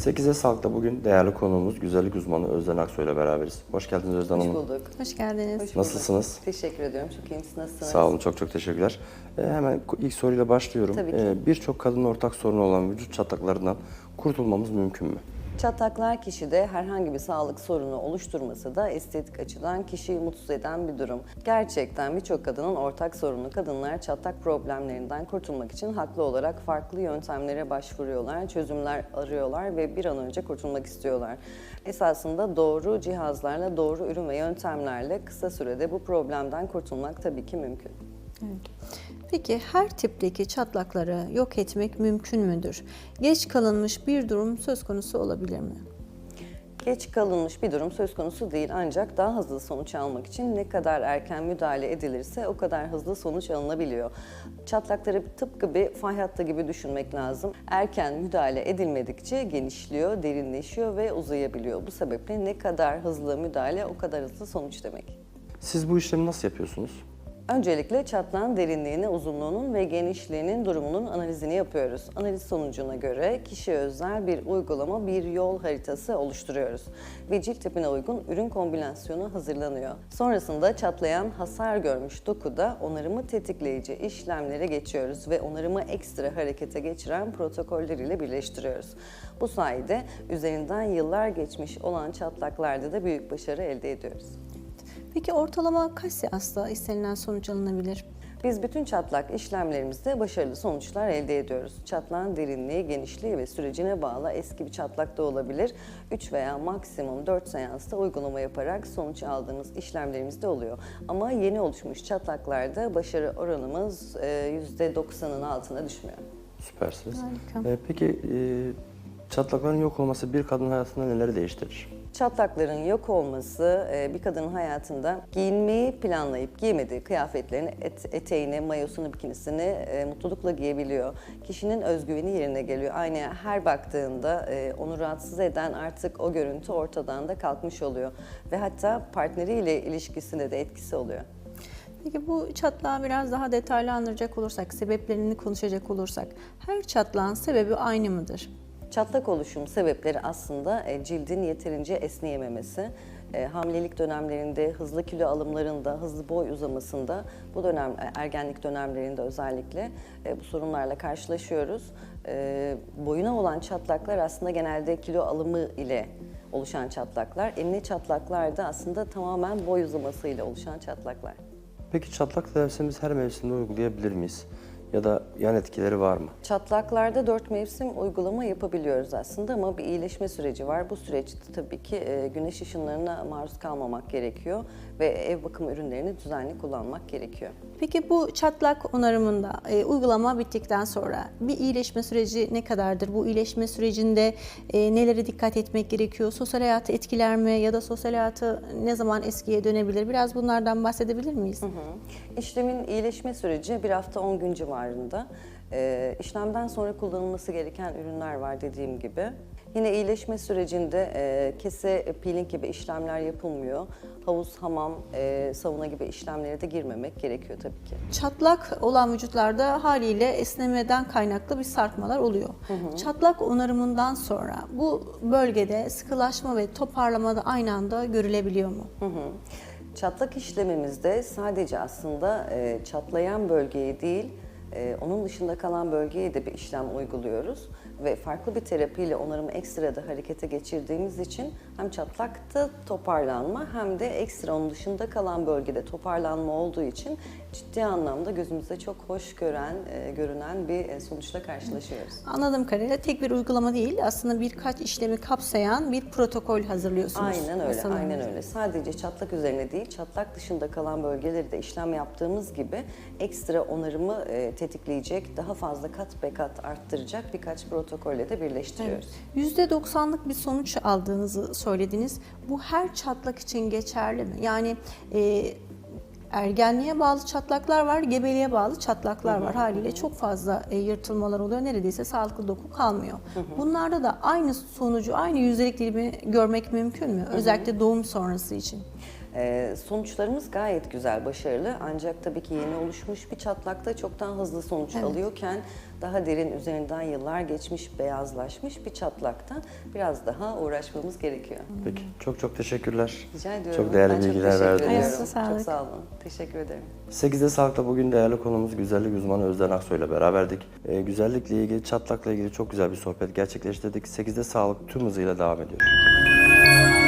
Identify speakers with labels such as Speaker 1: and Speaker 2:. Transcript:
Speaker 1: 8'e Sağlık'ta bugün değerli konuğumuz güzellik uzmanı Özden Aksoy ile beraberiz. Hoş geldiniz Özden Hanım.
Speaker 2: Hoş bulduk.
Speaker 3: Hoş geldiniz.
Speaker 2: Hoş bulduk.
Speaker 1: Nasılsınız?
Speaker 2: Teşekkür ediyorum. Çok iyiyim. Siz nasılsınız?
Speaker 1: Sağ olun, çok teşekkürler. Hemen ilk soruyla başlıyorum.
Speaker 2: Tabii ki.
Speaker 1: Birçok kadının ortak sorunu olan vücut çatlaklarından kurtulmamız mümkün mü?
Speaker 2: Çatlaklar kişide herhangi bir sağlık sorunu oluşturmasa da estetik açıdan kişiyi mutsuz eden bir durum. Gerçekten birçok kadının ortak sorunu. Kadınlar çatlak problemlerinden kurtulmak için haklı olarak farklı yöntemlere başvuruyorlar, çözümler arıyorlar ve bir an önce kurtulmak istiyorlar. Esasında doğru cihazlarla, doğru ürün ve yöntemlerle kısa sürede bu problemden kurtulmak tabii ki mümkün.
Speaker 3: Evet. Peki her tipteki çatlakları yok etmek mümkün müdür? Geç kalınmış bir durum söz konusu olabilir mi?
Speaker 2: Geç kalınmış bir durum söz konusu değil, ancak daha hızlı sonuç almak için ne kadar erken müdahale edilirse o kadar hızlı sonuç alınabiliyor. Çatlakları tıpkı bir fay hattı gibi düşünmek lazım. Erken müdahale edilmedikçe genişliyor, derinleşiyor ve uzayabiliyor. Bu sebeple ne kadar hızlı müdahale o kadar hızlı sonuç demek.
Speaker 1: Siz bu işlemi nasıl yapıyorsunuz?
Speaker 2: Öncelikle çatlağın derinliğini, uzunluğunun ve genişliğinin durumunun analizini yapıyoruz. Analiz sonucuna göre kişiye özel bir uygulama, bir yol haritası oluşturuyoruz. Ve cilt tipine uygun ürün kombinasyonu hazırlanıyor. Sonrasında çatlayan, hasar görmüş dokuda onarımı tetikleyici işlemlere geçiyoruz ve onarımı ekstra harekete geçiren protokoller ile birleştiriyoruz. Bu sayede üzerinden yıllar geçmiş olan çatlaklarda da büyük başarı elde ediyoruz.
Speaker 3: Peki ortalama kaç seansta istenilen sonuç alınabilir?
Speaker 2: Biz bütün çatlak işlemlerimizde başarılı sonuçlar elde ediyoruz. Çatlağın derinliği, genişliği ve sürecine bağlı eski bir çatlak da olabilir. 3 veya maksimum 4 seansta uygulama yaparak sonuç aldığımız işlemlerimiz de oluyor. Ama yeni oluşmuş çatlaklarda başarı oranımız %90'ın altına düşmüyor.
Speaker 1: Süpersiniz.
Speaker 3: Harika.
Speaker 1: Peki çatlakların yok olması bir kadın hayatında neleri değiştirir?
Speaker 2: Çatlakların yok olması bir kadının hayatında giyinmeyi planlayıp giymediği kıyafetlerini, eteğini, mayosunu, bikinisini mutlulukla giyebiliyor. Kişinin özgüveni yerine geliyor. Aynaya her baktığında onu rahatsız eden artık o görüntü ortadan da kalkmış oluyor. Ve hatta partneriyle ilişkisinde de etkisi oluyor.
Speaker 3: Peki bu çatlağı biraz daha detaylandıracak olursak, sebeplerini konuşacak olursak, her çatlağın sebebi aynı mıdır?
Speaker 2: Çatlak oluşum sebepleri aslında cildin yeterince esneyememesi, hamilelik dönemlerinde, hızlı kilo alımlarında, hızlı boy uzamasında, bu dönem ergenlik dönemlerinde özellikle bu sorunlarla karşılaşıyoruz. Boyuna olan çatlaklar aslında genelde kilo alımı ile oluşan çatlaklar. Enine çatlaklar da aslında tamamen boy uzaması ile oluşan çatlaklar.
Speaker 1: Peki çatlak tedavisimizi her mevsimde uygulayabilir miyiz? Ya da yan etkileri var mı?
Speaker 2: Çatlaklarda 4 mevsim uygulama yapabiliyoruz aslında ama bir iyileşme süreci var. Bu süreçte tabii ki güneş ışınlarına maruz kalmamak gerekiyor ve ev bakım ürünlerini düzenli kullanmak gerekiyor.
Speaker 3: Peki bu çatlak onarımında uygulama bittikten sonra bir iyileşme süreci ne kadardır? Bu iyileşme sürecinde nelere dikkat etmek gerekiyor? Sosyal hayatı etkiler mi ya da sosyal hayatı ne zaman eskiye dönebilir? Biraz bunlardan bahsedebilir miyiz?
Speaker 2: İşlemin iyileşme süreci 1 hafta 10 gün civarında. İşlemden sonra kullanılması gereken ürünler var dediğim gibi. Yine iyileşme sürecinde kese, peeling gibi işlemler yapılmıyor. Havuz, hamam, sauna gibi işlemlere de girmemek gerekiyor tabii ki.
Speaker 3: Çatlak olan vücutlarda haliyle esnemeden kaynaklı bir sarkmalar oluyor. Çatlak onarımından sonra bu bölgede sıkılaşma ve toparlama da aynı anda görülebiliyor mu?
Speaker 2: Çatlak işlemimizde sadece aslında çatlayan bölgeyi değil, onun dışında kalan bölgeye de bir işlem uyguluyoruz ve farklı bir terapiyle onarımı ekstra da harekete geçirdiğimiz için hem çatlakta toparlanma hem de ekstra onun dışında kalan bölgede toparlanma olduğu için ciddi anlamda gözümüze çok hoş görünen bir sonuçla karşılaşıyoruz.
Speaker 3: Anladığım kadarıyla tek bir uygulama değil, aslında birkaç işlemi kapsayan bir protokol hazırlıyorsunuz.
Speaker 2: Aynen öyle,
Speaker 3: Sanırım.
Speaker 2: aynen öyle. Sadece çatlak üzerine değil, çatlak dışında kalan bölgeleri de işlem yaptığımız gibi ekstra onarımı tetikleyecek, daha fazla kat be kat arttıracak birkaç protokolle de birleştiriyoruz.
Speaker 3: %90'lık bir sonuç aldığınızı söylediniz. Bu her çatlak için geçerli mi? Yani ergenliğe bağlı çatlaklar var, gebeliğe bağlı çatlaklar var. Haliyle çok fazla yırtılmalar oluyor. Neredeyse sağlıklı doku kalmıyor. Bunlarda da aynı sonucu, aynı yüzdelik dilimi görmek mümkün mü? Özellikle doğum sonrası için.
Speaker 2: Sonuçlarımız gayet güzel, başarılı. Ancak tabii ki yeni oluşmuş bir çatlakta çok daha hızlı sonuç alıyorken daha derin, üzerinden yıllar geçmiş, beyazlaşmış bir çatlakta biraz daha uğraşmamız gerekiyor.
Speaker 1: Peki. Çok çok teşekkürler.
Speaker 2: Rica ediyorum.
Speaker 1: Çok değerli
Speaker 2: Ben
Speaker 1: bilgiler
Speaker 2: teşekkür
Speaker 1: verdiniz.
Speaker 2: ediyorum.
Speaker 3: Ayağınıza sağlık.
Speaker 2: Çok sağ olun. Teşekkür ederim.
Speaker 1: 8'de Sağlık'ta bugün değerli konumuz güzellik uzmanı Özden Aksoy ile beraberdik. Güzellikle ilgili, çatlakla ilgili çok güzel bir sohbet gerçekleştirdik. 8'de Sağlık tüm hızıyla devam ediyor.